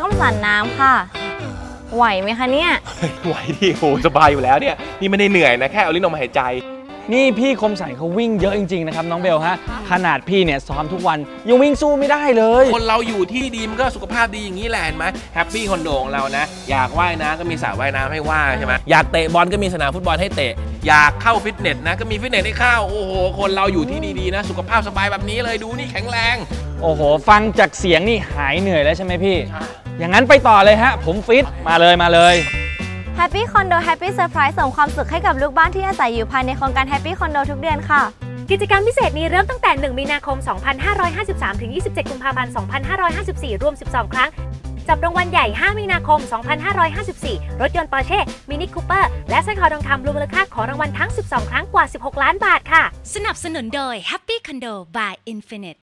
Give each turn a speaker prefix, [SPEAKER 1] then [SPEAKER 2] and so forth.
[SPEAKER 1] มสันน้ำค่ะไหวไหมคะเนี่ย
[SPEAKER 2] ไหวดิโหสบายอยู่แล้วเนี่ยนี่ไม่ได้เหนื่อยนะแค่เอาลิ้นออกมาหายใจ
[SPEAKER 3] นี่พี่คมสันเขาวิ่งเยอะจริงๆนะครับน้องเบลฮะขนาดพี่เนี่ยซ้อมทุกวันยังวิ่งสู้ไม่ได้เลย
[SPEAKER 2] คนเราอยู่ที่ดีมันก็สุขภาพดีอย่างนี้แหละเห็นไหมแฮปปี้คอนโดของเรานะอยากว่ายน้ำก็มีสระว่ายน้ำให้ว่ายใช่ไหมอยากเตะบอลก็มีสนามฟุตบอลให้เตะอยากเข้าฟิตเนสนะก็มีฟิตเนสให้เข้าโอ้โหคนเราอยู่ที่ดีๆนะสุขภาพสบายแบบนี้เลยดูนี่แข็งแรง
[SPEAKER 3] โอ้โหฟังจากเสียงนี่หายเหนื่อยแล้วใช่ไหมพี่อย่างนั้นไปต่อเลยฮะผมฟิตมาเลย
[SPEAKER 1] Happy Condo Happy Surprise ส่งความสุขให้กับลูกบ้านที่อาศัยอยู่ภายในโครงการ Happy Condo ทุกเดือนค่ะ
[SPEAKER 4] กิจกรรมพิเศษนี้เริ่มตั้งแต่ 1 มีนาคม 2553 ถึง 27 กุมภาพันธ์ 2554 รวม 12 ครั้ง จับรางวัลใหญ่ 5 มีนาคม 2554 รถยนต์ Porsche Mini Cooper และสร้อยคอทองคำรวมมูลค่าของรางวัลทั้ง 12 ครั้งกว่า 16 ล้านบาทค่ะ
[SPEAKER 5] สนับสนุนโดย Happy Condo by Infinite